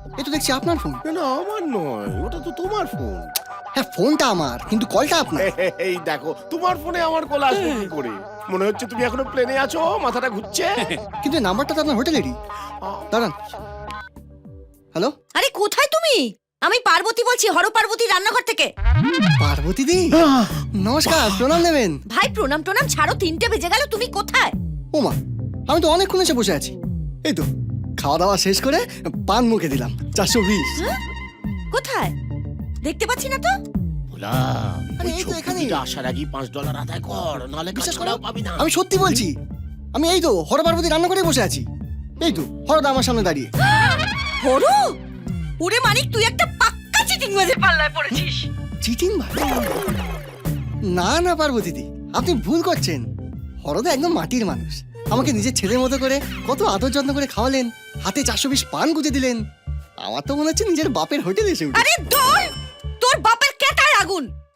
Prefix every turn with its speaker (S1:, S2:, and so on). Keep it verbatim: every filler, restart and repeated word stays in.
S1: এ তো দেখছি আপনার ফোন।
S2: না আমার নয়, ওটা তো তোমার ফোন।
S1: হ্যাঁ ফোনটা আমার, কিন্তু কলটা আপনার।
S2: এই দেখো তোমার ফোনে আমার কল আসবে কি করে? মনে হচ্ছে তুমি এখনো প্লেনে আছো, মাথাটা ঘুরছে।
S1: কিন্তু নাম্বারটা তো আপনার হোটেলেরই। দাঁড়ান। হ্যালো,
S3: আরে কোথায় তুমি? আমি পার্বতী বলছি, হর পার্বতী রান্নাঘর থেকে।
S1: পার্বতী দি নমস্কার, প্রণাম নেবেন।
S3: ভাই প্রণাম টনাম ছাড়ো, তিনটে বেজে গেল, তুমি কোথায়?
S1: ওমা, আমি তো অনেকক্ষণ এসে বসে আছি। এই তো খাওয়া দাওয়া শেষ করে পান মুখে দিলাম, চারশো বিশ।
S3: কোথায় দেখতে পাচ্ছি না তো।
S2: ভোলা,
S1: আরে
S2: ওই
S1: এই তো এখানেই।
S2: ছবিটা আসার আগেই পাঁচ ডলার আদায় কর, নাহলে
S1: বিশ্বাস
S2: কাজ
S1: করো,
S2: করাও পাবি না।
S1: আমি সত্যি বলছি। আমি এই তো হর পার্বতী রান্না করে বসে আছি। এই তো হরদা আমার সামনে দাঁড়িয়ে।
S3: হরু, ওরে মানিক, তুই একটা পাক্কা চিটিং বাজে পাল্লায় পড়েছিস।
S1: চিটিং ভাই? না না পার্বতী দি, আপনি ভুল করছেন। হরদা একদম মাটির মানুষ। আমাকে নিজের ছেলের মতো করে কত আদর যত্ন করে খাওয়ালেন, হাতে চারশো বিশ পান গুজে দিলেন। আমার তো মনে হচ্ছে নিজের বাপের হোটেলে এসে উঠেছি।
S3: আরে দোল, তোর বাপের কেটায় আগুন।